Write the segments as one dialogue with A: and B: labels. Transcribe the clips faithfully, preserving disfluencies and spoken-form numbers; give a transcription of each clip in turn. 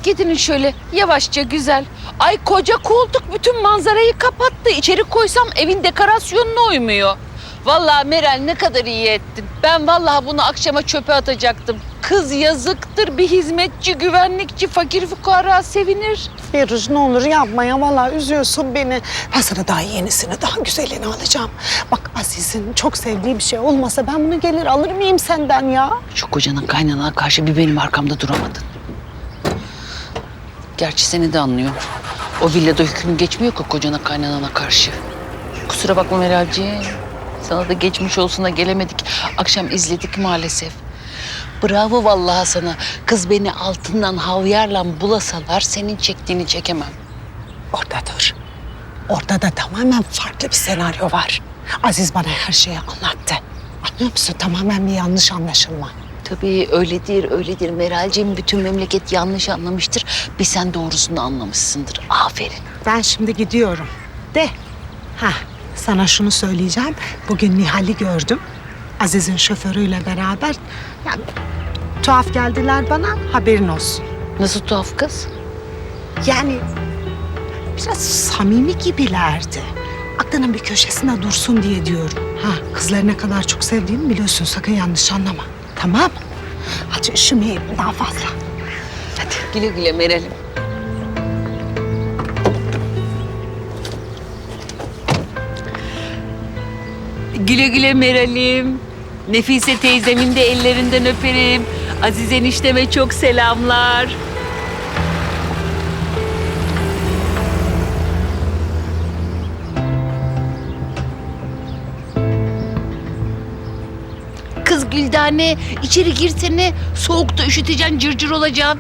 A: eşlik edin şöyle yavaşça güzel. Ay koca koltuk bütün manzarayı kapattı. İçeri koysam evin dekorasyonuna uymuyor. Vallahi Meral ne kadar iyi ettin. Ben vallahi bunu akşama çöpe atacaktım. Kız yazıktır, bir hizmetçi, güvenlikçi, fakir fukara sevinir.
B: Firuze ne olur yapma ya, vallahi üzüyorsun beni. Ben sana daha yenisini, daha güzelini alacağım. Bak Aziz'in çok sevdiği bir şey olmasa ben bunu gelir alır mıyım senden ya?
A: Şu kocanın kaynanana karşı bir benim arkamda duramadın. Gerçi seni de anlıyor. O villada hüküm geçmiyor ki kocana kaynanana karşı. Kusura bakma Meralciğim. Sana da geçmiş olsuna gelemedik. Akşam izledik maalesef. Bravo vallahi sana. Kız beni altından havyarla bulasalar senin çektiğini çekemem.
B: Orada dur. Orada da tamamen farklı bir senaryo var. Aziz bana her şeyi anlattı. Anlıyor musun? Tamamen bir yanlış anlaşılma.
A: Tabii öyledir, öyledir. Meralciğim bütün memleket yanlış anlamıştır. Bir sen doğrusunu anlamışsındır. Aferin.
B: Ben şimdi gidiyorum. De. Ha, sana şunu söyleyeceğim. Bugün Nihal'i gördüm. Aziz'in şoförüyle beraber. Yani tuhaf geldiler bana, haberin olsun.
A: Nasıl tuhaf kız?
B: Yani biraz samimi gibilerdi. Aklının bir köşesinde dursun diye diyorum. Ha, kızları ne kadar çok sevdiğimi biliyorsun. Sakın yanlış anlama. Tamam. Hadi üşümeyelim daha fazla.
A: Hadi güle güle Meral'im. Güle güle Meral'im. Nefise teyzemin de ellerinden öperim. Aziz enişteme çok selamlar. Kız Güldane içeri girsene. Soğukta üşüteceksin, cırcır olacaksın.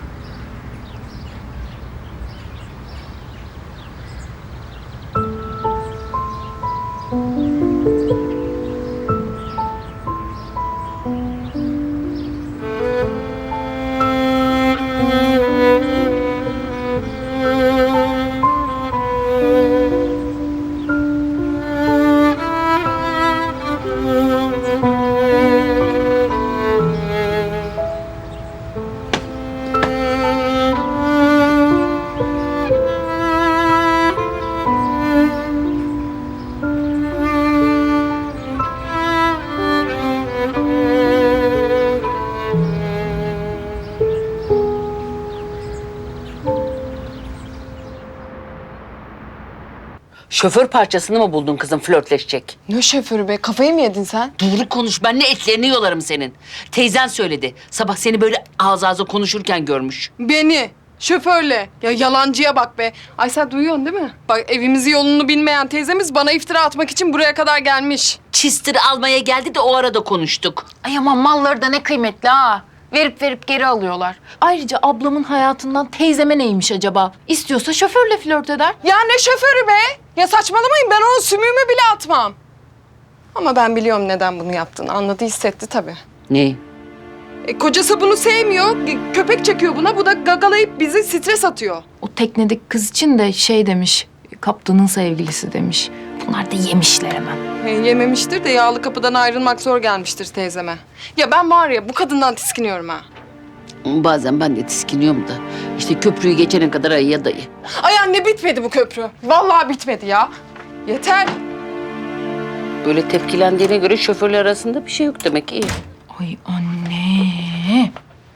A: Şoför parçasını mı buldun kızım flörtleşecek?
C: Ne şoförü be? Kafayı mı yedin sen?
A: Doğru konuş. Ben ne etlerini yolarım senin. Teyzen söyledi. Sabah seni böyle ağız ağza konuşurken görmüş.
C: Beni. Şoförle. Ya yalancıya bak be. Ay sen duyuyorsun değil mi? Bak evimizi yolunu bilmeyen teyzemiz bana iftira atmak için buraya kadar gelmiş.
A: Çistir almaya geldi de o arada konuştuk.
D: Ay aman malları da ne kıymetli ha. Verip verip geri alıyorlar. Ayrıca ablamın hayatından teyzeme neymiş acaba? İstiyorsa şoförle flört eder.
C: Ya ne şoförü be? Ya saçmalamayın, ben onun sümüğümü bile atmam. Ama ben biliyorum neden bunu yaptığını. Anladı, hissetti tabii.
A: Ne?
C: E, kocası bunu sevmiyor. e, Köpek çekiyor buna. Bu da gagalayıp bizi stres atıyor.
D: O teknedeki kız için de şey demiş, kaptanın sevgilisi demiş. Bunlar da yemişler hemen.
C: E, yememiştir de yağlı kapıdan ayrılmak zor gelmiştir teyzeme. Ya ben var ya bu kadından tiskiniyorum ha.
A: Bazen ben de tiskiniyorum da. İşte köprüyü geçene kadar ayıya dayı.
C: Ay anne bitmedi bu köprü. Vallahi bitmedi ya. Yeter.
A: Böyle tepkilendiğine göre şoförler arasında bir şey yok demek ki.
D: Ay anne.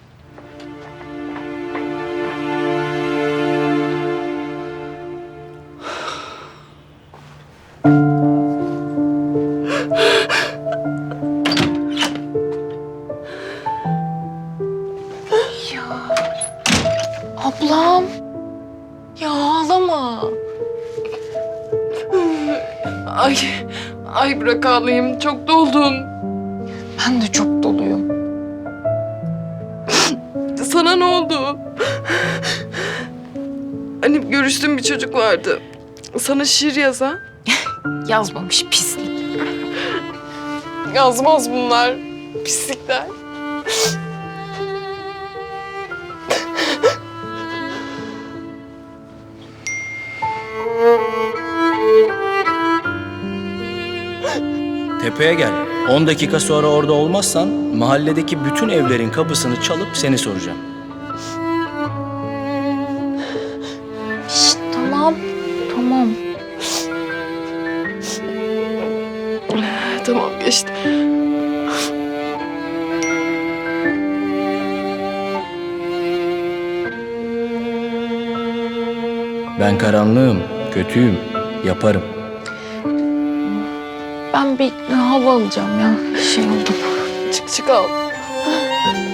D: Ya ablam.
C: Ya ağlama. Ay, ay bırak ağlayayım. Çok doldum.
D: Ben de çok doluyum.
C: Sana ne oldu? Hani görüştüğüm bir çocuk vardı. Sana şiir yazan.
D: Yazmamış pislik.
C: Yazmaz bunlar. Pislikler.
E: Tepeye gel. On dakika sonra orada olmazsan mahalledeki bütün evlerin kapısını çalıp seni soracağım. Ben karanlığım, kötüyüm, yaparım.
D: Ben bir hava alacağım ya. Bir şey oldu.
A: Çık çık al.